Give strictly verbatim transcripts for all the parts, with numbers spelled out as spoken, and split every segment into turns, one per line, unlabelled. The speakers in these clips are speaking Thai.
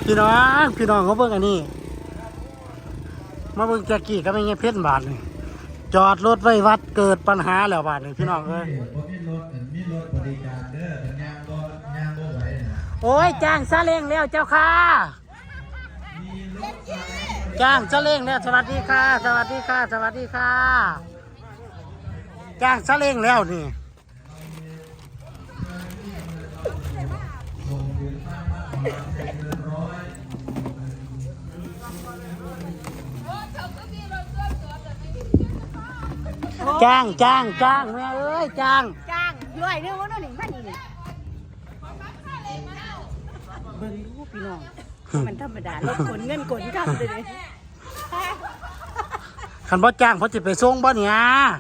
พี่น้องพี่น้องเขาเบิ่งอันนี้มาเบิ่งแจ็คกี้ก็ไม่เงี้ยเพชรบาทนี่จอดรถไว้วัดเกิดปัญหาแล้วบาทนี่พี่น้องเอ้ยโอ้ยจ้างซาเล้งแล้วเจ้าค่ะจ้างซาเล้งแล้วสวัสดีค่ะสวัสดีค่ะสวัสดีค่ะจ้างซาเล้งแล้วนี่จ้างจ้างจ้างแม่เอ้ยจ้าง
จ้างร้อยนึงว่าน้องหนิงมานี่นี่เบิ่งรูปพี่น้องมันธรรมดารถขนเงินขนคำเลย
คันบ่จ้างเพราะจะไปส่งบ่เนี่ย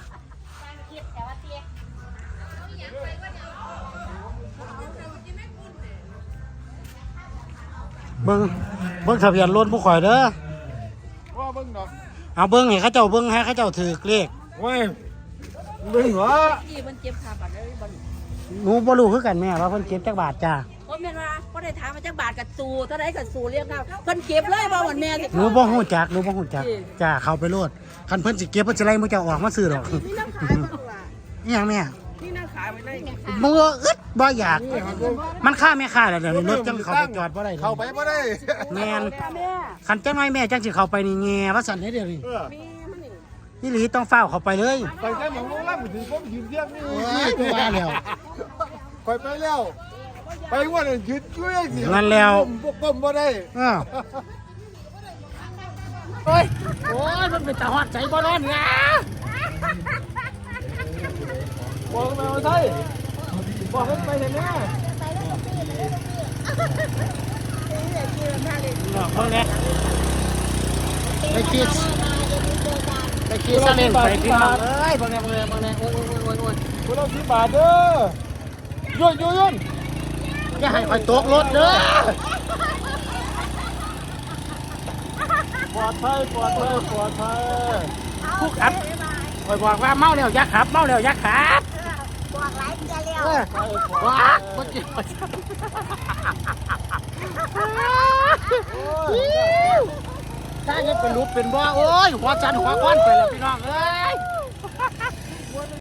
เบิ่งเบิ่งทะเบียนรถผู้ข่อยเด้อ
ว่าเบิ่งดอก
เอาเบิ่งให้เขาเจ้าเบิ่งให้เขาเจ้าถือเลข
เว้ยเบิ่งเหรอ
ที่มันเจ็บขาบัดเลยบ่
หนูบ่รู้คือกันแม่ว่าเพิ่นเก็บจักบาทจ้า
เพราะแม่ว่าบ่ได้ถามมาจักบาทกับสูเท่าใดกับสูเรียกเอาเพิ่นเก็บเลยบ่เหมือนแม่สิ
หนูบ่ฮู้จักหนูบ่ฮู้จักจ้าเข้าไปโลดคันเพิ่นสิเก็บเพิ่นสิไล่มื้อเจ้าออกมาซื้อดอก
นี่น้ำขายบ่ล่ะ
อีหยังแม่
นี่น้ำขายไว้เลย
มืออึดบ่อยากมันค่าแม่ค่าแล้วเดี๋ยวนี้รถจังเข้าไปจอดบ่ได้
เข้าไปบ่ได้
แม่นคันจังไว้แม่จังสิเข้าไปนี่แง่ว่าสั่นให้เดี๋ยวนี้นี่หลีต้องเฝ้าเข้าไปเลย
ไปแค่หมองลงล่างถึงผมยืนเที่ยงนี่
โอ้ยกูว่าแล้ว
ไปไปแล้วไปว่าเนี่ยยืดช่วยสิ
งั้นแล้ว
ก้มบ่ได้
อ้าวโอ้ยโอ้ยมันเป็นตาฮอดใจบ่ร้อนนะ
บอกมาใช่บอกให้ไปเห็นแม่
บอกเพิ่งเนี่ยไปคิดไปคิดซะเล่นไปพี่น้องเอ้ยเพิ่งเนี่ยเพิ่งเนี่ยเพิ่งเนี่ยโอ้ยโอ้ยโอ้ยโอ้ย
คุณเอาสิบบาทเด้อยุ่นยุ่นยุ่น
อย่าให้คอยตกรถเด้อ
ปลอดภัยปลอดภัยปลอดภัย
ผู้ขับคอยบอกว่าเมาแล้วอย่าขับเมาแล้วอย่าขับ
บอกหลายเทื่อแล้ว
ว้าเมื่อกี้ถ้าเงี้ยเป็นรูปเป็นบ่โอ้ยหัวจันหัวก้อนไปแล้วพี่น้องเอ้ย